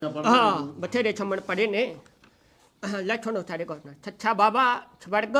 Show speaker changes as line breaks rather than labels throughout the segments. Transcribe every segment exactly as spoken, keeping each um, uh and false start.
हाँ बथेरे छमण पड़े ने लठो नो थारे को छच्छा बाबा स्वर्ग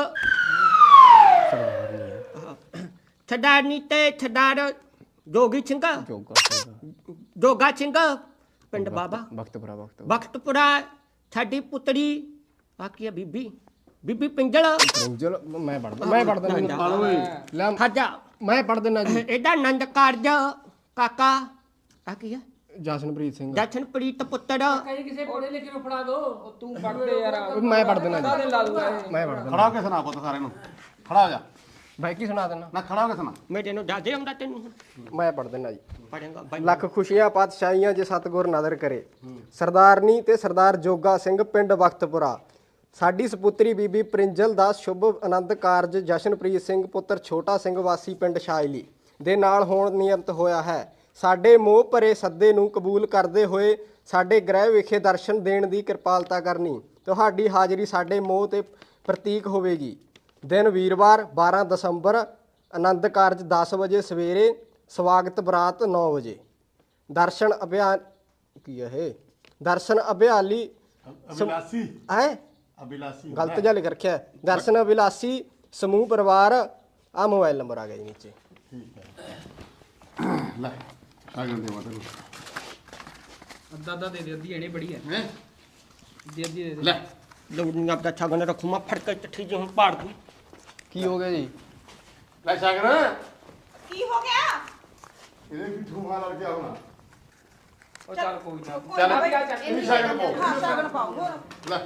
छडारनी ते छडार जोगी सिंह जोगा सिंह पिंड बाबा
ਵਕਤਪੁਰਾ ਵਕਤ
बख्तपुरा साडी पुतरी बाकी बीबी बीबी पिंजल
ਪਿੰਜਲ ਮੈਂ ਪੜਦਾ ਮੈਂ ਪੜਦਾ ਲੈ
खाजा
ਮੈਂ ਪੜ ਦਿੰਦਾ ਜੀ
एदा नंद कारज काका बाकी है
ਜਸ਼ਨਪ੍ਰੀਤ ਸਿੰਘ
जशनप्रीत पुत्र
ਕਹੀ ਕਿਸੇ ਪੜੇ ਲਿਖੇ ਨੂੰ ਫੜਾ ਦੋ ਉਹ ਤੂੰ ਪੜਦੇ ਯਾਰ
ਮੈਂ ਪੜ ਦਿੰਦਾ
ਕਾਹਦੇ
ਜੀ
ਲਾ ਦੂਗਾ
ਮੈਂ ਪੜ ਦਿੰਦਾ
ਖੜਾ ਹੋ ਕੇ ਸੁਣਾ ਪੁੱਤ ਸਾਰੇ ਨੂੰ ਖੜਾ ਹੋ ਜਾ
ਬਾਈ ਕੀ ਸੁਣਾ ਦੇਣਾ
ਨਾ ਖੜਾ ਹੋ ਕੇ ਸੁਣਾ
मेरे नो दादे आंदा तेन
ਮੈਂ ਪੜ ਦਿੰਦਾ ਜੀ
पढ़ेगा
ਲੱਖ ਖੁਸ਼ੀਆਂ ਪਾਤਸ਼ਾਹੀਆਂ ਜੇ ਸਤਿਗੁਰ ਨਦਰ ਕਰੇ ਸਰਦਾਰਨੀ ਤੇ ਸਰਦਾਰ ਜੋਗਾ ਸਿੰਘ ਪਿੰਡ ਵਕਤਪੁਰਾ ਸਾਡੀ ਸਪੁੱਤਰੀ ਬੀਬੀ ਪ੍ਰਿੰਜਲ ਦਾ ਸ਼ੁਭ ਆਨੰਦ ਕਾਰਜ ਜਸ਼ਨਪ੍ਰੀਤ ਸਿੰਘ ਪੁੱਤਰ ਛੋਟਾ ਸਿੰਘ ਵਾਸੀ ਪਿੰਡ ਸ਼ਾਇਲੀ ਦੇ ਨਾਲ ਹੋਣ ਨਿਯਮਤ ਹੋਇਆ ਹੈ। ਸਾਡੇ ਮੋਹ ਭਰੇ ਸੱਦੇ ਨੂੰ ਕਬੂਲ ਕਰਦੇ ਹੋਏ ਸਾਡੇ ਗ੍ਰਹਿ ਵਿਖੇ ਦਰਸ਼ਨ ਦੇਣ ਦੀ ਕਿਰਪਾਲਤਾ ਕਰਨੀ। ਤੁਹਾਡੀ ਹਾਜ਼ਰੀ ਸਾਡੇ ਮੋਹ ਤੇ ਪ੍ਰਤੀਕ ਹੋਵੇਗੀ। ਦਿਨ ਵੀਰਵਾਰ ਬਾਰਾਂ ਦਸੰਬਰ ਆਨੰਦ ਕਾਰਜ ਦਸ ਵਜੇ ਸਵੇਰੇ ਸਵਾਗਤ ਬਰਾਤ ਨੌ ਵਜੇ ਦਰਸ਼ਨ ਅਭਿਆਨ ਕੀ ਹੈ ਇਹ ਦਰਸ਼ਨ ਅਭਿਆਲੀ
ਅਭਿਲਾਸੀ
ਹੈ
ਅਭਿਲਾਸੀ
ਗਲਤ ਜਿਹਾ ਲਿਖ ਰੱਖਿਆ ਹੈ। ਦਰਸ਼ਨ ਅਭਿਲਾਸੀ ਸਮੂਹ ਪਰਿਵਾਰ ਆ ਮੋਬਾਈਲ ਨੰਬਰ ਆ ਗਿਆ ਜੀ ਨੀਚੇ
ਠੀਕ ਹੈ ਲੈ ਸਾਗਰ ਦੇ ਮਤਲਬ
ਅੱਧਾ ਅੱਧਾ ਦੇ ਦੇ ਅੱਧੀ ਇਹਨੇ ਬੜੀ ਹੈ
ਹੈ
ਦੇ ਅੱਧੀ ਦੇ ਦੇ
ਲੈ
लौड़ी आपका छागन रखू मैं फट कर चिट्ठी जो हूँ पाड़ दूँ
ਕੀ ਹੋ ਗਿਆ ਜੀ
ਲੈ ਸਾਗਰ
ਕੀ ਹੋ ਗਿਆ
ਇਹਦੇ ਵੀ ਠੂਹਾ ਲੜ ਗਿਆ ਹੋਣਾ
ਉਹ ਚੱਲ ਕੋਈ ਨਾ
ਚੱਲ
ਇਹ
ਇਹ ਵੀ ਸਾਗਰ ਪਾਓ
ਹਾਂ ਸ਼ਗਨ ਪਾਓ ਹੋਰ
ਲੈ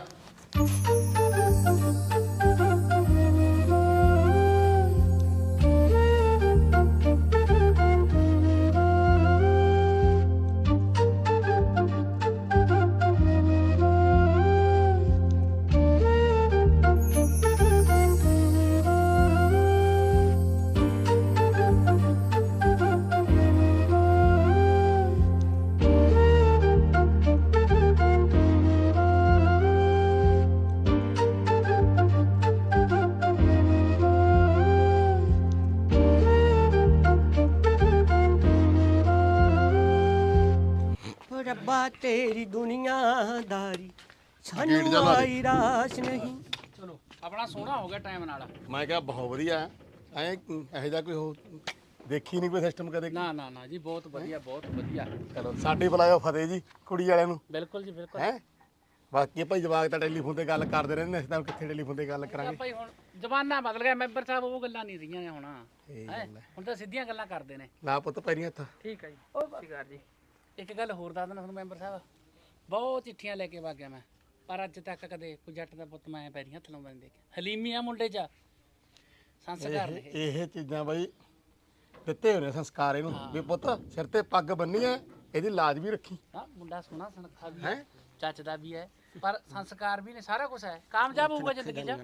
रब्बा तेरी दुनियादारी
गेट
सानू
जा ला दे।
आई रास नहीं
ਚਲੋ ਆਪਣਾ ਸੋਹਣਾ ਹੋ ਗਿਆ ਟਾਈਮ ਨਾਲ
ਮੈਂ ਕਿਹਾ ਬਹੁਤ ਵਧੀਆ ਐ ਇਹੋ ਜਿਹਾ ਕੋਈ ਹੋ ਦੇਖੀ ਨਹੀਂ ਕੋਈ ਸਿਸਟਮ ਕਦੇ
ਨਾ ਨਾ ਨਾ ਜੀ ਬਹੁਤ ਵਧੀਆ ਬਹੁਤ ਵਧੀਆ
ਚਲੋ ਸਾਡੇ ਬੁਲਾਇਓ ਫਤਿਹ ਜੀ ਕੁੜੀ ਵਾਲਿਆਂ ਨੂੰ
ਬਿਲਕੁਲ ਜੀ ਬਿਲਕੁਲ
ਹੈ ਬਾਕੀ ਭਾਈ ਜਵਾਕ ਤਾਂ ਟੈਲੀਫੋਨ ਤੇ ਗੱਲ ਕਰਦੇ ਰਹਿੰਦੇ ਅਸੀਂ ਤਾਂ ਕਿੱਥੇ ਟੈਲੀਫੋਨ ਤੇ ਗੱਲ ਕਰਾਂਗੇ
ਭਾਈ ਹੁਣ ਜ਼ਮਾਨਾ ਬਦਲ ਗਿਆ ਮੈਂਬਰ ਸਾਹਿਬ ਉਹ ਗੱਲਾਂ ਨਹੀਂ ਰਹੀਆਂ ਨੇ ਹੁਣ
ਇਹ
ਹੈਂ?
ਗੱਲ ਹੈ।
ਹੁਣ ਤਾਂ ਸਿੱਧੀਆਂ ਗੱਲਾਂ ਕਰਦੇ ਨੇ
ਲਾ ਪੁੱਤ ਪੈਰੀਆਂ ਹੱਥ
ਠੀਕ ਹੈ ਜੀ ਉਹ ਬਾਤ ਜੀ ਇੱਕ ਗੱਲ ਹੋਰ ਦੱਸ ਦਿੰਦਾ ਤੁਹਾਨੂੰ ਮੈਂਬਰ ਸਾਹਿਬ ਬਹੁਤ ਚਿੱਠੀਆਂ ਲੈ ਕੇ ਵਗ ਗਿਆ ਮੈਂ ਪਰ ਅੱਜ ਤੱਕ ਕਦੇ ਕੋਈ ਜੱਟ ਦਾ ਪੁੱਤ ਮੈਂ ਪੈਰੀਂ ਹੱਥ ਲਾਉਂਦਾ ਨਹੀਂ ਦੇਖਿਆ ਹਲੀਮੀ ਆ ਮੁੰਡੇ 'ਚ ਸੰਸਕਾਰ ਨੇ
ਇਹ ਇਹ ਚੀਜ਼ਾਂ ਬਾਈ ਦਿੱਤੇ ਹੋਏ ਨੇ ਸੰਸਕਾਰ ਇਹਨੂੰ ਵੀ ਪੁੱਤ ਸਿਰ ਤੇ ਪੱਗ ਬੰਨੀ ਐ ਇਹਦੀ ਲਾਜ ਵੀ ਰੱਖੀ
ਹਾਂ ਮੁੰਡਾ ਸੋਹਣਾ ਸੁਨੱਖਾ ਵੀ
ਹੈਂ?
ਹੈ ਚੱਜਦਾ ਵੀ ਹੈ ਪਰ ਸੰਸਕਾਰ ਵੀ ਨੇ ਸਾਰਾ ਕੁਝ ਹੈ ਕਾਮਯਾਬ ਹੋਊਗਾ ਜ਼ਿੰਦਗੀ 'ਚ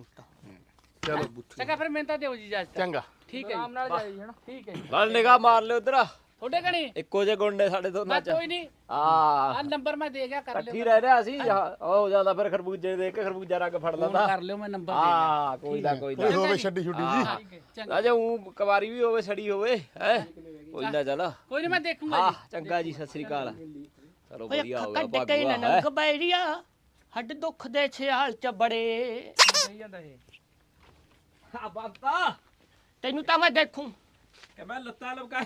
ਚਲੋ
ਚੰਗਾ ਫਿਰ ਮਿਹਨਤਾਂ ਦਿਓ ਜੀ ਜੱਜ
ਚੰਗਾ
ਠੀਕ ਹੈ ਆਰਾਮ ਨਾਲ ਜਾਈ ਹਣਾ ਠੀਕ ਹੈ ਜੀ
ਨਾਲ ਨਿਗਾਹ ਮਾਰ ਲਿਓ ਉਧਰ
ਤੁਹਾਡੇ ਕਣੀ
ਇੱਕੋ ਜੇ ਗੁੰਡੇ ਸਾਡੇ
ਮੈਂ
ਦੋਨਾਂ ਚ
ਕੋਈ ਨਹੀਂ
ਆ
ਆ ਨੰਬਰ ਮੈਂ ਦੇ ਗਿਆ ਕਰ
ਇਕੱਠੀ
ਲਿਓ
ਰਹਿ ਰਿਹਾ ਸੀ ਉਹ ਜਾਂਦਾ ਫਿਰ ਖਰਬੂਜੇ ਦੇ ਕੇ ਖਰਬੂਜਾ ਰੰਗ ਫੜ
ਫੋਨ
ਲੈਂਦਾ
ਕਰ ਲਿਓ ਮੈਂ ਨੰਬਰ ਦੇ ਗਿਆ
ਆ ਕੋਈ ਨਾ ਕੋਈ
ਕੋਈ
ਨਾ
ਹੋਵੇ ਛੱਡੀ ਛੁੱਡੀ ਜੀ
ਠੀਕ ਹੈ ਚੰਗਾ
ਰਾਜਾ ਉਹ ਕੁਵਾਰੀ ਵੀ ਹੋਵੇ ਛੜੀ ਹੋਵੇ ਹੈ ਕੋਈ ਨਾ ਚੱਲ
ਕੋਈ ਨਹੀਂ ਮੈਂ ਦੇਖੂੰਗਾ
ਆ
ਜੀ
ਚੰਗਾ ਜੀ ਸਤਿ ਸ੍ਰੀ ਅਕਾਲ ਚਲੋ
ओए
ਵਧੀਆ ਹੋ ਗਿਆ
खकड़ के
ਭਾਗੂਆ
ननक बैरिया हड दुख दे छयाल च बड़े
ਸਹੀ ਜਾਂਦਾ ਇਹ
ਆ ਬਾਬਾ
तेनू ता मैं देखूं
ਕਿ ਮੈਂ ਲੱਤਾਂ ਲਮਕਾ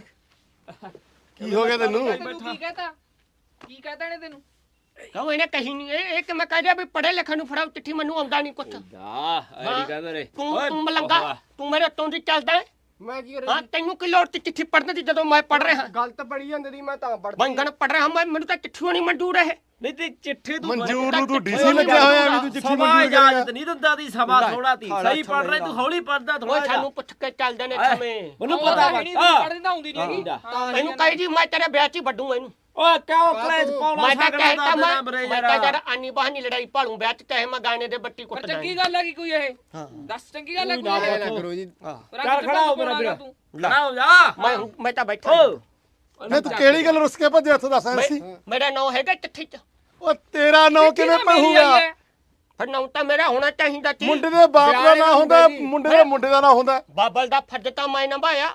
ਕੀ ਹੋ ਗਿਆ ਤੈਨੂੰ
ਤੈਨੂੰ ਕੀ ਕਹਤਾ ਕੀ ਕਹਤਾ ਇਹਨੇ ਤੈਨੂੰ
कहूं इन्हें कहीं नहीं ए एक मैं कह दिया भी पढ़े लिखे नु फड़ाओ चिट्ठी मैनू आंदा नहीं कुछ
ਆ ਐਡੀ ਕਹਿੰਦੇ ਰੇ
तू तू मलंगा तू मेरे उत्तों दी चलदा है
ਮੈਂ ਕੀ
हां तेनू की लोड़ ती चिट्ठी पढ़ने दी जदों मैं पढ़ रहा
ਗਲਤ ਪੜੀ ਜਾਂਦੀ ਦੀ ਮੈਂ ਤਾਂ ਪੜਦਾ
ਬੰਗਣ ਪੜ ਰਿਹਾ ਮੈਂ ਮੈਨੂੰ ਤਾਂ ਚਿੱਠੀ ਹੋਣੀ ਮਨਜ਼ੂਰ ਹੈ
ਨਹੀਂ ਤੇ ਚਿੱਠੀ ਤੂੰ
ਮਨਜ਼ੂਰ ਨੂੰ ਤੂੰ ਡੀਸੀ ਲੱਗਿਆ ਹੋਇਆ ਵੀ ਤੂੰ ਚਿੱਠੀ
ਸਮਾਂ
ਮਨਜ਼ੂਰ
ਇਜਾਜ਼ਤ
ਕਰਿਆ
ਨਹੀਂ ਦਿੰਦਾ ਦੀ ਸਮਾਂ ਥੋੜਾ ਤੀ ਸਹੀ ਪੜ ਰਿਹਾ ਤੂੰ ਹੌਲੀ ਪੜਦਾ
ਉਹ
ਥੋੜਾ
ਸਾਨੂੰ ਪੁੱਛ ਕੇ ਚੱਲਦੇ ਨੇ ਸਮੇਂ
ਮੈਨੂੰ ਪਤਾ
ਨਹੀਂ ਪੜ੍ਹਦੀ ਤਾਂ ਆਉਂਦੀ ਨਹੀਂ ਹੈਗੀ
ਇਹਨੂੰ ਕਹੀ ਜੀ ਮੈਂ ਤੇਰੇ ਵਿਆਹ 'ਚ ਹੀ ਵੱਢੂ ਇਹਨੂੰ
ਓਏ ਕਿਉਂ ਕਲੇਜ ਪਾਉਣਾ
ਮੈਂ ਤਾਂ
ਸਕਦਾ
ਕਹਿਤਾ
ਦਾ
ਮੈਂ
ਬਰੇ
ਮੈਂ ਤਾਂ ਯਾਰ ਆਨੀ ਬਹਾਨੀ ਲੜਾਈ ਭਾਲੂ ਵਿਆਹ 'ਚ ਚਾਹੇ ਮੈਂ ਗਾਣੇ ਦੇ ਬੱਟੀ ਕੁੱਟ
ਪਰ
ਦਾਂ
ਚੰਗੀ ਗੱਲ ਹੈ ਕਿ ਕੋਈ ਇਹ ਦੱਸ ਚੰਗੀ ਗੱਲ ਹੈ ਕੋਈ
ਐ ਨਾ ਕਰੋ ਜੀ
ਚੱਲ ਖੜਾ ਹੋ ਮੇਰਾ ਵੀਰ
ਤੂੰ
ਖੜਾ ਹੋ ਜਾ
ਮੈਂ ਮੈਂ ਤਾਂ ਬੈਠਾ
ਓ
ਨਹੀਂ ਤੂੰ ਕਿਹੜੀ ਗੱਲ ਰੁੱਸ ਕੇ ਭੱਜਿਆ ਇੱਥੋਂ ਦੱਸ ਐਸੀ
ਮੇਰਾ ਨਾਂ ਹੈਗਾ ਚਿੱਠੀ 'ਚ
ਉਹ ਤੇਰਾ ਨਾਂ ਕਿਵੇਂ ਪਹੂਗਾ
ਫਿਰ ਨਾਂ ਤਾਂ ਮੇਰਾ ਹੋਣਾ ਚਾਹੀਦਾ ਸੀ
ਮੁੰਡੇ ਦੇ ਬਾਪ ਦਾ ਨਾਂ ਹੁੰਦਾ ਮੁੰਡੇ ਦੇ ਮੁੰਡੇ ਦਾ ਨਾਂ ਹੁੰਦਾ
ਬਾਬਲ ਦਾ ਫਰਜ਼ ਤਾਂ ਮੈਂ ਨਿਭਾਇਆ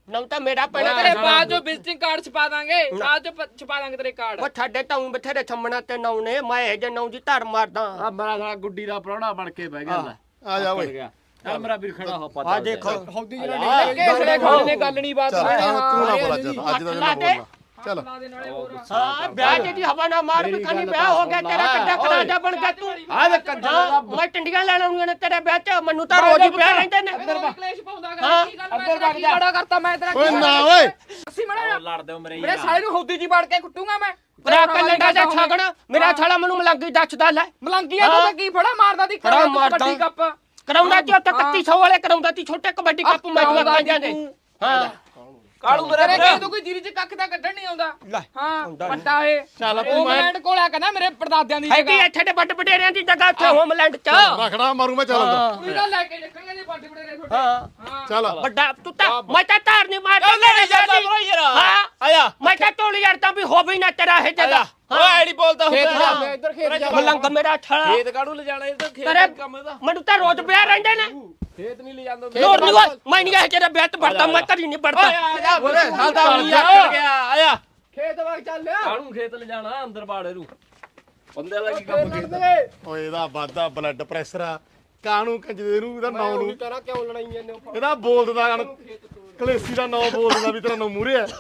ਨਾਮ ਤਾਂ ਮੇਰਾ
ਤੇਰੇ
ਪੈਣਾ
ਬਾਅਦ ਜੋ ਵਿਜ਼ਿਟਿੰਗ ਕਾਰਡ ਛਪਾ ਦਾਂਗੇ ਬਾਅਦ ਜੋ ਪ- ਛਪਾ ਦਾਂਗੇ ਤੇਰੇ ਕਾਰਡ
ਉਹ ਸਾਡੇ ਤਾਂ ਊਂ ਬਥੇਰੇ ਛੰਮਣਾ ਤੇ ਨਾਉ ਨੇ ਮੈਂ ਇਹ ਜੇ ਨਾਉ ਦੀ ਧਰ ਮਾਰਦਾ
ਆ ਮੇਰਾ ਸਾਲਾ ਗੁੱਡੀ ਦਾ ਪ੍ਰਾਹੁਣਾ ਬਣ ਕੇ ਬਹਿ ਗਿਆ ਲੈ
ਆ ਜਾ ਓਏ
ਗਿਆ ਚੱਲ ਮੇਰਾ ਵੀਰ ਖੜਾ ਹੋ ਪਤਾ
ਆ ਦੇਖੋ
ਹੌਦੀ
ਕਿਹੜੇ ਖੋਲ ਨੇ ਗੱਲ ਨਹੀਂ ਬਾਤ
ਚੱਲ
ਨਹੀਂ
ਤੂੰ ਨਾ ਬੋਲਾ ਅੱਜ ਅੱਜ ਦਾ ਦਿਨ ਬੋਲਣਾ ਚੱਲ
ਦੇ ਨਾਲੇ ਹੋਰ
ਹਾਂ ਵਿਆਹ ਜਿਹਦੀ ਹਵਾ ਨਾ ਮਾਰ ਬਖਾਨੀ ਵਿਆਹ ਹੋ ਗਿਆ ਤੇਰਾ ਕਿੱਡਾ ਕਰਾਜਾ ਬਣ ਗਿਆ ਤੂੰ
ਆ ਵੇ ਕੰਜਰ
ਹਾਂ ਮੈਂ ਟੰਡੀਆਂ ਲੈਣ ਆਉਣੀਆਂ ਨੇ ਤੇਰੇ ਵਿਆਹ ਚ ਮੈਨੂੰ ਤਾਂ ਰੋਜ਼ ਹੀ ਵਿਆਹ ਰਹਿੰਦੇ ਨੇ
ਕਲੇਸ਼ ਪਾਉਂਦਾ ਗਾ ਕੀ ਗੱਲ ਮੈਂ ਤੇਰਾ ਕੀ ਬੜਾ ਕਰਤਾ ਮੈਂ ਤੇਰਾ
ਓਏ ਨਾ ਓਏ
ਅਸੀਂ ਮੜਾ
ਲੜਦੇ ਹੋ ਮੇਰੇ
ਮੇਰੇ ਸਾਲੇ ਨੂੰ ਹੌਦੀ ਜੀ ਵੜ ਕੇ ਕੁੱਟੂਗਾ ਮੈਂ
ਭਰਾ ਕੱਲੇਗਾ ਦਾ ਛਾਗਣਾ ਮੇਰਾ ਛਾਲਾ ਮੈਨੂੰ ਮਲੰਗੀ ਦੱਸਦਾ ਲੈ
ਮਲੰਗੀਆਂ ਤੂੰ ਤਾਂ ਕੀ ਫੜਾ ਮਾਰਦਾ ਦੀ
ਫੜਾ ਮਾਰਦਾ।
ਕੱਟੀ ਕੱਪ
ਕਰਾਉਂਦਾ ਤੇ ਉੱਥੇ ਇਕੱਤੀ ਸੌ ਵਾਲੇ ਕਰਾਉਂਦਾ ਤੀ ਛੋਟੇ ਕਬੱਡੀ ਕੱਪ ਮੈਚ ਲੱਗ ਜਾਂਦੇ ਹਾਂ
ਕਾਲੂ ਮੇਰੇ
ਤੇਰੇ
ਵੀਰ
ਕੀ ਤੂੰ ਕੋਈ ਜੀਰੀ ਚ ਕੱਖ ਦਾ ਕੱਢਣ ਨਹੀਂ ਆਉਂਦਾ
ਲੈ,
ਹਾਂ ਪੱਟਾ ਏ
ਚੱਲ
ਉਹ ਮੈਂਡ ਕੋਲ ਆ ਕਹਿੰਦਾ ਮੇਰੇ ਪਰਦਾਦਿਆਂ ਦੀ
ਹੈਗੀ
ਜਗ੍ਹਾ
ਇੱਥੇ ਦੇ ਵੱਡ ਵਡੇਰਿਆਂ ਦੀ ਜਗ੍ਹਾ ਉੱਥੇ ਹੋਮਲੈਂਡ ਚ
ਰਖੜਾ ਮਾਰੂ ਮੈਂ ਚੱਲ ਅੰਦਰ
ਕੁੜੀ ਦਾ ਲੈ ਕੇ ਨਿਕਲਣਗੇ ਜੇ ਵੱਡੇ ਵੱਡੇ ਤੁਹਾਡੇ
ਹਾਂ
ਚੱਲ
ਵੱਡਾ ਤੂੰ ਤਾਂ ਮੈਂ ਤਾਂ ਧਾਰ ਨਹੀਂ ਮਾਰਦਾ
ਲੈ ਜਾਂਦਾ ਬਰੋ ਯਾਰ
ਹਾਂ
ਆਇਆ
ਮੈਂ ਤਾਂ ਟੋਲੀ ਯਾਰ ਤਾਂ ਵੀ ਹੋਵੇ ਨਾ ਤੇਰਾ ਇਹ ਜਗ੍ਹਾ
ਓਏ ਐੜੀ ਬੋਲਦਾ ਹੁੰਦਾ
ਮੈਂ ਇੱਧਰ ਖੇਤ ਜਾ
ਮਲੰਗ ਮੇਰਾ ਛਾਲਾ
ਖੇਤ ਕਾੜੂ ਲੈ ਜਾਣਾ ਇਹ ਤਾਂ ਖੇਤ
ਤੇਰੇ
ਦਾ ਕੰਮ ਇਹਦਾ
ਮੈਨੂੰ ਤਾਂ ਰੋਜ਼ ਵਿਆਹ ਰਹਿੰਦੇ ਨੇ
ਖੇਤ ਨਹੀਂ ਲੈ ਜਾਂਦਾ
ਲੋੜ ਨਹੀਂ ਹੋਈ ਮੈਂ ਨਹੀਂ ਇਹ ਤੇਰਾ ਵਿਆਹ ਤੇ ਵੜਦਾ ਮੈਂ ਘਰੀ ਨਹੀਂ ਵੜਦਾ
ਓਏ ਸਾਡਾ ਨਹੀਂ ਆਕੜ ਗਿਆ ਆਇਆ
ਖੇਤ ਵਾਗ ਚੱਲ ਲਿਆ
ਕਾੜੂ ਖੇਤ ਲੈ ਜਾਣਾ ਅੰਦਰ ਬਾੜੇ ਰੂ ਬੰਦੇ ਵਾਲਾ ਕੀ ਕੰਮ ਕੀਤਾ
ਓਏ ਇਹਦਾ ਵਾਧਾ ਬਲੱਡ ਪ੍ਰੈਸ਼ਰ ਆ ਕਾਹਨੂੰ ਕੰਜਦੇ ਨੂੰ ਇਹਦਾ ਨਾਂ ਨੂੰ
ਕਰਾਂ ਕਿਉਂ ਲੜਾਈਆਂ ਨੇ
ਇਹਦਾ ਬੋਲ ਦਿੰਦਾ ਕਣ ਕਲੇਸੀ ਦਾ ਨਾਂ ਬੋਲ ਦਿੰਦਾ ਵੀ ਤੇਰਾ ਨਾਂ ਮੂਰੇ ਆ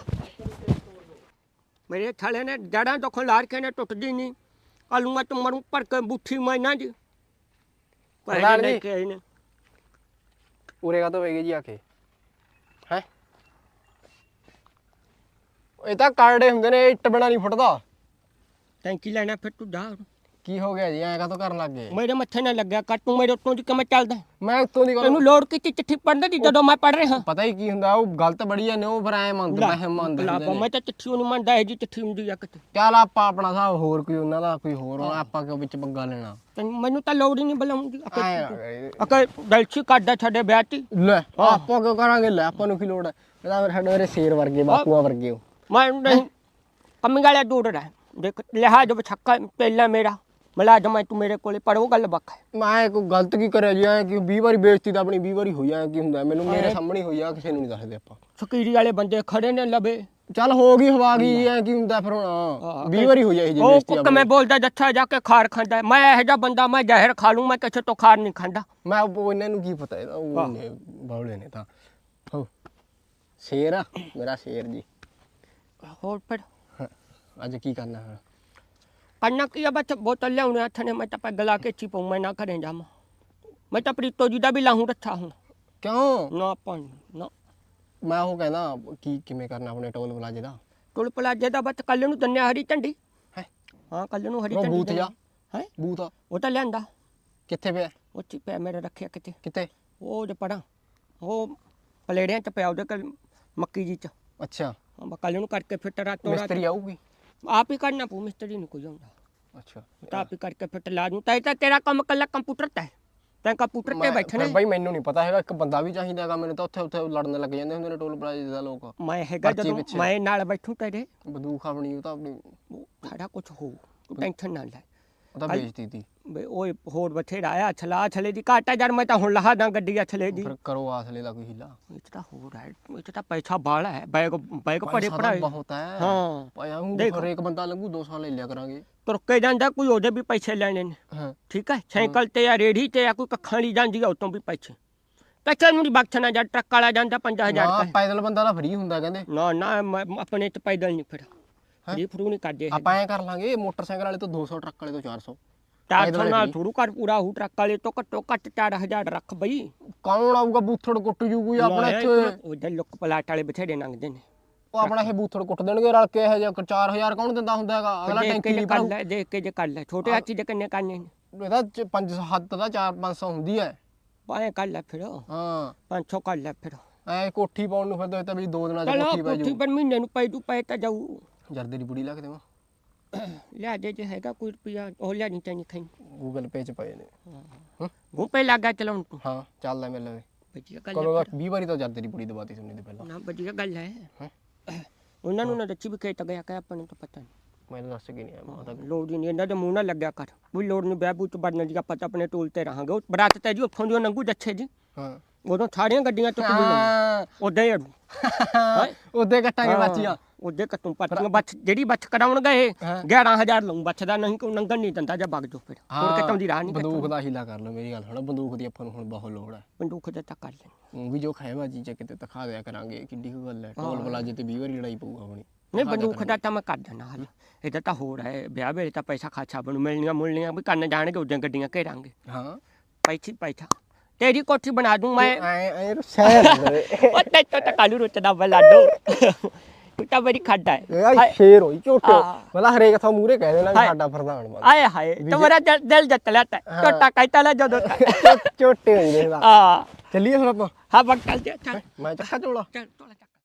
ਮੇਰੇ ਛਾਲੇ ਨੇ ਜੜਾਂ ਤੋਂ ਲਾੜ ਕੇ ਨੇ ਟੁੱਟਦੀ ਨਹੀਂ ਆਲੂਆਂ ਤੋਂ ਮਰੂ ਭਰ ਕੇ ਬੁੱਠੀ ਮੈਨਾਂ ਦੀ
ਪ੍ਰਧਾਨ
ਲੈ
ਜੀ।
ਕੇ ਆਏ ਨੇ
ਉਰੇ ਕਾ ਤੋਂ ਵੇਗੇ ਜੀ ਆ ਕੇ ਹੈ ਇਹ ਤਾਂ ਕਾਰਡੇ ਹੁੰਦੇ ਨੇ ਇੱਟ ਬਣਾ ਨਹੀਂ ਫੁੱਟਦਾ
ਟੈਂਕੀ ਲੈਣਾ ਫਿਰ ਤੂੰ ਜਾ
ਕੀ ਹੋ ਗਿਆ ਜੀ ਐਂ ਕਾ ਤੋਂ ਕਰਨ ਲੱਗ ਗਏ
ਮੇਰੇ ਮੱਥੇ ਨਾ ਲੱਗਿਆ ਕਰ ਤੂੰ ਮੇਰੇ ਉੱਤੋਂ ਦੀ ਕਿਵੇਂ ਚੱਲਦਾ
ਮੈਂ ਉੱਤੋਂ ਦੀ ਗੱਲ
ਤੈਨੂੰ ਲੋੜ ਕੀਤੀ ਚਿੱਠੀ ਪੜ੍ਹਨ ਦੀ ਜਦੋਂ ਮੈਂ ਪੜ੍ਹ ਰਿਹਾ
ਪਤਾ ਹੀ ਕੀ ਹੁੰਦਾ ਉਹ ਗਲਤ ਬੜੀ ਆ ਨੇ ਉਹ ਫਿਰ ਐ ਮੰਨਦਾ ਮੈਂ ਇਹ ਮੰਨਦਾ
ਲਾ,
ਹੁੰਦੇ ਨੇ।
ਮੈਂ ਤਾਂ ਚਿੱਠੀ ਨੂੰ ਮੰਨਦਾ ਇਹ ਜੀ ਚਿੱਠੀ ਹੁੰਦੀ ਆ ਕਿਤੇ
ਚੱਲ ਆਪਾਂ ਆਪਣਾ ਹਿਸਾਬ ਹੋਰ ਕੋਈ ਉਹਨਾਂ ਦਾ ਕੋਈ ਹੋਰ ਹੋਣਾ ਆਪਾਂ ਕਿਉਂ ਵਿੱਚ ਪੰਗਾ ਲੈਣਾ
ਤੈਨੂੰ ਮੈਨੂੰ ਤਾਂ ਲੋੜ ਹੀ ਨਹੀਂ ਬੁਲਾਉਂਦੀ
ਐਂ ਨਾ ਕਰੀ।
ਅਕੇ ਦਲਛੀ ਕੱਢਦਾ ਛੱਡੇ ਵਿਆਹ ਤੀ
ਲੈ ਆਪਾਂ ਕਿਉਂ ਕਰਾਂਗੇ ਲੈ ਆਪਾਂ ਨੂੰ ਕੀ ਲੋੜ ਹੈ ਇਹਦਾ ਮੇਰੇ ਸਾਡੇ ਮੇਰੇ ਸ਼ੇਰ ਵਰਗੇ ਬਾਪੂਆਂ ਵਰਗੇ ਹੋ
ਮੈਂ ਨਹੀਂ ਕੰਮੀ ਵਾਲਾ ਦੂਰ ਰਹਿ ਦੇਖ ਲਿਹਾਜ਼ ਬਛੱਕਾ ਪਹਿਲਾ ਮੇਰਾ ਮੁਲਾਜ਼ਮ ਹੈ ਤੂੰ ਮੇਰੇ ਕੋਲੇ ਪਰ ਉਹ ਗੱਲ ਵੱਖ ਹੈ
ਮੈਂ ਕੋਈ ਗਲਤ ਕੀ ਕਰਿਆ ਜੀ ਐ ਕਿ ਵੀਹ ਵਾਰੀ ਬੇਇੱਜ਼ਤੀ ਤਾਂ ਆਪਣੀ ਵੀਹ ਵਾਰੀ ਹੋਈ ਐ ਕੀ ਹੁੰਦਾ ਮੈਨੂੰ ਮੇਰੇ ਸਾਹਮਣੇ ਹੋਈ ਆ ਕਿਸੇ ਨੂੰ ਨਹੀਂ ਦੱਸਦੇ ਆਪਾਂ
ਫਕੀਰੀ ਵਾਲੇ ਬੰਦੇ ਖੜੇ ਨੇ ਲਵੇ
ਚੱਲ ਹੋ ਗਈ ਹਵਾ ਗਈ ਐ ਕੀ ਹੁੰਦਾ ਫਿਰ ਹੁਣ ਵੀਹ ਵਾਰੀ ਹੋਈ ਐ ਇਹ ਜੀ
ਉਹ
ਬੇਇੱਜ਼ਤੀ
ਕੁੱਕ ਮੈਂ ਬੋਲਦਾ ਜੱਥਾ ਜਾ ਕੇ ਖਾਰ ਖਾਂਦਾ ਮੈਂ ਇਹੋ ਜਿਹਾ ਬੰਦਾ ਮੈਂ ਜ਼ਹਿਰ ਖਾ ਲੂੰ ਮੈਂ ਕਿਸੇ ਤੋਂ ਖਾਰ ਨਹੀਂ ਖਾਂਦਾ
ਮੈਂ ਉਹ ਇਹਨਾਂ ਨੂੰ ਕੀ ਪਤਾ ਇਹਦਾ ਉਹ ਨੇ ਬਾਉਲੇ ਨੇ ਤਾਂ ਹੋ ਸ਼ੇਰ ਆ ਮੇਰਾ ਸ਼ੇਰ ਜੀ
ਹੋਰ ਫਿਰ
ਹਾਂ, ਅੱਜ ਕੀ ਕਰਨਾ ਹੈ
ਕਰਨਾ ਕੀ ਆ ਬਸ ਬੋਤਲ ਲਿਆਉਣੇ ਹੱਥ ਨੇ ਮੈਂ ਤਾਂ ਪੈ ਗਲਾ ਕੇ ਚੀ ਪਾਉਂ ਮੈਂ ਨਾ ਕਰੇ ਜਾਵਾਂ ਮੈਂ ਤਾਂ ਪ੍ਰੀਤੋ ਜੀ ਦਾ ਵੀ ਲਾਹੂੰ ਰੱਖਾ ਹੁਣ
ਕਿਉਂ
ਨਾ ਪਾਣੀ ਨਾ
ਮੈਂ ਉਹ ਕਹਿੰਦਾ ਕੀ ਕਿਵੇਂ ਕਰਨਾ ਆਪਣੇ ਟੋਲ ਪਲਾਜੇ ਦਾ
ਟੁਲ ਪਲਾਜੇ ਦਾ ਬਸ ਕੱਲ ਨੂੰ ਦੰਨਿਆ ਹਰੀ ਝੰਡੀ
ਹੈ
ਹਾਂ ਕੱਲ ਨੂੰ ਹਰੀ
ਉਹ
ਝੰਡੀ
ਬੂਥ ਜਾ
ਹੈ
ਬੂਥ
ਉਹ ਤਾਂ ਲਿਆਂਦਾ
ਕਿੱਥੇ ਪਿਆ
ਉੱਥੇ ਪਿਆ ਮੇਰੇ ਰੱਖਿਆ ਕਿਤੇ
ਕਿੱਥੇ
ਉਹ ਜੇ ਪੜਾ ਉਹ ਪਲੇੜਿਆਂ ਚ ਪਿਆ ਉਹਦੇ ਕੋਲ ਮੱਕੀ ਜੀ ਚ
ਅੱਛਾ
ਕੱਲ ਨੂੰ ਕਰਕੇ ਫਿੱਟ ਰਾਤ ਤੋਂ ਰਾਤ
ਮਿਸਤਰੀ ਆਊਗੀ
ਆਪ ਹੀ ਕਰਨਾ ਪਊ ਮਿਸਤਰੀ ਨਹੀਂ ਕੋਈ ਆਉਂਦਾ
ਅੱਛਾ
ਤਾਂ ਆਪ ਹੀ ਕਰਕੇ ਫਿੱਟ ਲਾ ਦੂੰ ਤਾਂ ਇਹ ਤਾਂ ਤੇਰਾ ਕੰਮ ਕੱਲਾ ਕੰਪਿਊਟਰ ਤੇ ਹੈ ਤੈਂ ਕੰਪਿਊਟਰ ਤੇ
ਮੈਂ-
ਬੈਠਣਾ
ਫਿਰ ਬਾਈ ਮੈਨੂੰ ਨਹੀਂ ਪਤਾ ਹੈਗਾ ਇੱਕ ਬੰਦਾ ਵੀ ਚਾਹੀਦਾ ਹੈਗਾ ਮੈਨੂੰ ਤਾਂ ਉੱਥੇ ਉੱਥੇ ਲੜਨ ਲੱਗ ਜਾਂਦੇ ਹੁੰਦੇ ਨੇ ਟੋਲ ਪਲਾਜੇ ਦਾ ਲੋਕ
ਮੈਂ ਹੈਗਾ
ਪਰਚੀ
ਜਦੋਂ
ਪਿੱਛੇ।
ਮੈਂ ਨਾਲ ਬੈਠੂ ਤੇਰੇ
ਬੰਦੂਕ ਆਪਣੀ ਉਹ ਤਾਂ ਆਪਣੀ
ਉਹ ਸਾਡਾ ਕੁਝ ਹੋਊ ਤੂੰ ਟੈਨਸ਼ਨ ਨਾ ਲੈ
ਉਹ ਤਾਂ ਵੇਚਦੀ ਤੀ
ਬਈ ਓਏ ਹੋਰ ਬਥੇਰਾ ਆਇਆ ਛਲਾ ਛਲੇ ਦੀ ਘਾਟਾ ਯਾਰ ਮੈਂ ਤਾਂ ਹੁਣ ਲਹਾ ਦਾਂ ਗੱਡੀ ਛਲੇ ਦੀ
ਫਿਰ ਕਰੋ ਆਸਲੇ ਦਾ ਕੋਈ ਹਿੱਲਾ
ਇਹ 'ਚ ਤਾਂ ਹੋਰ ਹੈ ਇਹ 'ਚ ਤਾਂ ਪੈਸਾ ਬਾਲਾ ਹੈ ਬੈਗ ਬੈਗ ਭਰੇ
ਪੈਸਾ ਤਾਂ
ਪੜਾਏ
ਬਹੁਤ ਹੈ
ਹਾਂ
ਪਾਇਆ ਹੂੰ
ਦੇਖ।
ਹਰੇਕ ਬੰਦਾ ਲੰਗੂ ਦੋ ਸਾਲ ਲੈ ਲਿਆ ਕਰਾਂਗੇ
ਤੁਰ ਕੇ ਜਾਂਦਾ ਕੋਈ ਉਹਦੇ ਵੀ ਪੈਸੇ ਲੈਣੇ ਨੇ
ਹਾਂ
ਠੀਕ ਹੈ ਸਾਈਕਲ ਤੇ ਜਾਂ ਰੇੜੀ ਤੇ ਜਾਂ ਕੋਈ ਕੱਖਾਂ ਲਈ ਜਾਂਦੀ ਆ ਉਤੋਂ ਵੀ ਪੈਸੇ ਪੈਸੇ ਨੂੰ ਨਹੀਂ ਬਖਸ਼ਣਾ ਜਾਂ ਟਰੱਕ ਵਾਲਾ ਜਾਂਦਾ ਪੰਜਾਹ ਹਜ਼ਾਰ
ਨਾ
ਦਾ
ਪੈਦਲ ਬੰਦਾ ਤਾਂ ਫ੍ਰੀ ਹੁੰਦਾ ਕਹਿੰਦੇ
ਨਾ ਨਾ ਮੈਂ ਆਪਣੇ ਚ ਪੈਦਲ ਨਹੀਂ ਫਿਰ ਫਰੀ ਫਰੂ ਨਹੀਂ ਕਰਦੇ
ਆਪਾਂ ਐ ਕਰ ਲਾਂਗੇ ਮੋਟਰਸਾਈਕਲ ਵਾਲੇ ਤੋਂ ਦੋ ਸੌ ਟਰੱਕ ਵਾਲੇ ਤੋਂ ਚਾਰ ਸੌ
ਚਾਰ
ਪੈਦਲ
ਸੌ ਨਾਲ
ਵਾਲੇ
ਥੋੜੂ ਕਰ ਪੂਰਾ ਹੂ ਟਰੱਕ ਵਾਲੇ ਤੋਂ ਘੱਟੋ ਘੱਟ ਚਾਰ ਹਜ਼ਾਰ ਰੱਖ ਬਈ
ਕੌਣ ਆਊਗਾ ਬੂਥੜ ਕੁੱਟ ਜੂ ਕੋਈ ਆਪਣਾ ਇੱਥੇ
ਉਹਦੇ ਲੁੱਕ ਪਲਾਟ ਵਾਲੇ ਬਥੇਰੇ ਲੰਘਦੇ ਨੇ
ਉਹ ਆਪਣਾ ਇਹ ਬੂਥੜ ਕੁੱਟ ਦੇਣਗੇ ਰਲ ਕੇ ਇਹ ਜਿਹਾ ਚਾਰ ਹਜ਼ਾਰ ਕੌਣ ਦਿੰਦਾ ਹੁੰਦਾ ਹੈਗਾ ਅਗਲਾ
ਦੇਖ
ਟੈਂਕੀ
ਕੇ ਜੇ
ਨਹੀਂ
ਕਰ
ਭਰੂ
ਲੈ ਦੇਖ ਕੇ ਜੇ ਕਰ ਲੈ ਛੋਟੇ ਹਾਥੀ ਦੇ ਕਿੰਨੇ ਕਰਨੇ ਨੇ
ਇਹਦਾ ਚ ਪੰਜ ਹੱਦ ਦਾ ਚਾਰ ਪੰਜ ਸੌ ਹੁੰਦੀ ਹੈ
ਪਾਏ ਕਰ ਲੈ ਫਿਰ
ਹਾਂ
ਪੰਜ ਸੌ ਕਰ ਲੈ ਫਿਰ
ਐ ਕੋਠੀ ਪਾਉਣ ਨੂੰ ਫਿਰ ਤਾਂ ਵੀ ਦੋ ਦਿਨਾਂ ਚ
ਚਲੋ
ਕੋਠੀ ਪੈ
ਕੋਠੀ
ਜੂ
ਪਰ ਮਹੀਨੇ ਨੂੰ ਪੈ ਜੂ ਪੈ ਤਾਂ ਜਾਊ
ਜਰਦੇ ਦੀ ਬੁੜੀ ਲਾ ਕੇ ਦੇਵਾਂ
ਲਿਆ ਦੇ ਜੇ ਹੈਗਾ ਕੋਈ ਰੁਪਿਆ ਉਹ ਲਿਆ ਨਹੀਂ ਚਾਹੀਦੀ ਖਾਈ
ਗੂਗਲ ਪੇ ਚ ਪਏ ਨੇ
ਗੂਪੇ ਲੱਗਾ ਚਲਾਉਣ ਤੂੰ
ਹਾਂ ਚੱਲਦਾ ਮੇਰੇ ਲਵੇ
ਵਧੀਆ ਗੱਲ
ਕਦੋਂ
ਹੈ
ਦਾ ਵੀਹ ਵਾਰੀ ਤਾਂ ਜਰਦੇ ਦੀ ਬੁੜੀ ਦਵਾਤੀ ਸੁਣਨੇ ਦੇ ਪਹਿਲਾਂ
ਨਾ ਵਧੀਆ ਗੱਲ ਹੈ
ਹੈਂ?
ਉਹਨਾਂ ਨੂੰ ਨਾ ਦੱਸੀ ਵੀ ਖੇਤ ਗਿਆ ਕਿ ਆਪਾਂ ਨੂੰ ਤਾਂ ਪਤਾ ਨਹੀਂ
ਮੈਨੂੰ ਦੱਸ ਕੇ ਨਹੀਂ ਆਇਆ ਮੈਂ ਤਾਂ
ਲੋੜ ਹੀ ਨਹੀਂ ਇਹਨਾਂ ਦੇ ਮੂੰਹ ਨਾਲ ਲੱਗਿਆ ਕਰ ਕੋਈ ਲੋੜ ਨਹੀਂ ਬਹਿਬੂ ਚ ਵੜਨ ਦੀ ਆਪਾਂ ਤਾਂ ਆਪਣੇ ਟੂਲ ਤੇ ਰਹਾਂਗੇ ਉਹ ਬਰਾਤ ਤੇ ਜੀ ਉੱਥੋਂ ਦੀ ਉਹ ਨੰਗੂ ਜੱਛੇ ਜੀ
ਹਾਂ
ਉਦੋਂ ਸਾਰੀਆਂ ਗੱਡੀਆਂ ਤੋਂ ਕਿਵੇਂ
ਹਾਂ
ਉਦਾਂ ਹੀ ਅੜੂ
ਉਹਦੇ ਕੱਟਾਂਗੇ ਬਾਚੀਆਂ
ਉਹਦੇ ਕੱਟੂ ਪੱਟੀਆਂ ਬੱਚ ਜਿਹੜੀ ਬੱਚ ਕਰਾਉਣ ਗਏ ਗਿਆਰਾਂ ਹਜ਼ਾਰ ਲਊ ਬੱਚਦਾ ਨਹੀਂ ਕੋਈ ਨੰਗਣ ਨਹੀਂ ਦਿੰਦਾ ਜਾਂ ਵਗ ਜੋ ਫਿਰ ਹੋਰ ਕਿਤੋਂ ਦੀ ਰਾਹ ਨਹੀਂ
ਬੰਦੂਕ ਦਾ ਹੀਲਾ ਕਰ ਲਓ ਮੇਰੀ ਗੱਲ ਸੁਣੋ ਬੰਦੂਕ ਦੀ ਆਪਾਂ ਨੂੰ ਹੁਣ ਬਹੁਤ ਲੋੜ ਹੈ
ਬੰਦੂਕ ਦੇ ਤਾਂ ਕਰ ਲੈਣੀ
ਉਹ ਵੀ ਜੋ ਖਾਏਬਾਜੀ ਚ ਕਿਤੇ ਦਿਖਾ ਦਿਆ ਕਰਾਂਗੇ ਕਿੱਡੀ ਕੁ ਗੱਲ ਹੈ ਢੋਲ ਬਲਾਜੇ ਤੇ ਵੀਹ ਵਾਰੀ ਲੜਾਈ ਪਊਗਾ ਆਪਣੀ
ਨਹੀਂ ਬੰਦੂਕ ਦਾ ਤਾਂ ਮੈਂ ਕਰ ਦਿੰਦਾ ਹਲ ਇਹਦਾ ਤਾਂ ਹੋਰ ਹੈ ਵਿਆਹ ਵੇਲੇ ਤਾਂ ਪੈਸਾ ਖਾਚਾ ਬਣੂ ਮਿਲਣੀਆਂ ਮੁਲਣੀਆਂ ਵੀ ਕਰਨ ਜਾਣਗੇ ਉਦੋਂ ਗੱਡੀਆਂ ਘੇਰਾਂਗੇ
ਹਾਂ
ਪੈਸੀ ਪੈਸਾ ਤੇਰੀ ਕੋਠੀ ਬਣਾ ਦੂੰ ਮੈਂ
ਐ ਐ ਰੁੱਸਿਆ
ਉਹ ਤੇ ਤਾਂ ਕਾਲੂ ਰੁੱਚਦਾ ਬਲਾਡੋ ਤੂੰ ਤਾਂ ਬੜੀ ਖਾਦਾ ਹੈ
ਇਹ ਸ਼ੇਰ ਹੋਈ ਝੋਟੇ
ਹਾਂ।
ਮਤਲਬ ਹਰੇਕ ਥਾਂ ਮੂਰੇ ਕਹਿ ਦੇਣਾ ਵੀ ਸਾਡਾ ਪ੍ਰਧਾਨ ਬਣ
ਆਏ ਹਾਏ ਤੁਹਾਡਾ ਦਿਲ ਦਿਲ ਜਿੱਤ ਲਿਆ ਤਾ ਟੋਟਾ ਕਹਿਤਾ ਲੈ ਜਦੋਂ
ਝੋਟੇ ਹੋਈ ਦੇਖਦਾ
ਆ
ਚੱਲੀਏ ਹੁਣ ਆਪਾਂ
ਹਾਂ ਬਕ ਚੱਲ ਜਾ ਚੱਲ
ਮੈਂ ਚੱਕਾ ਝੋਲਾ
ਚੱਲ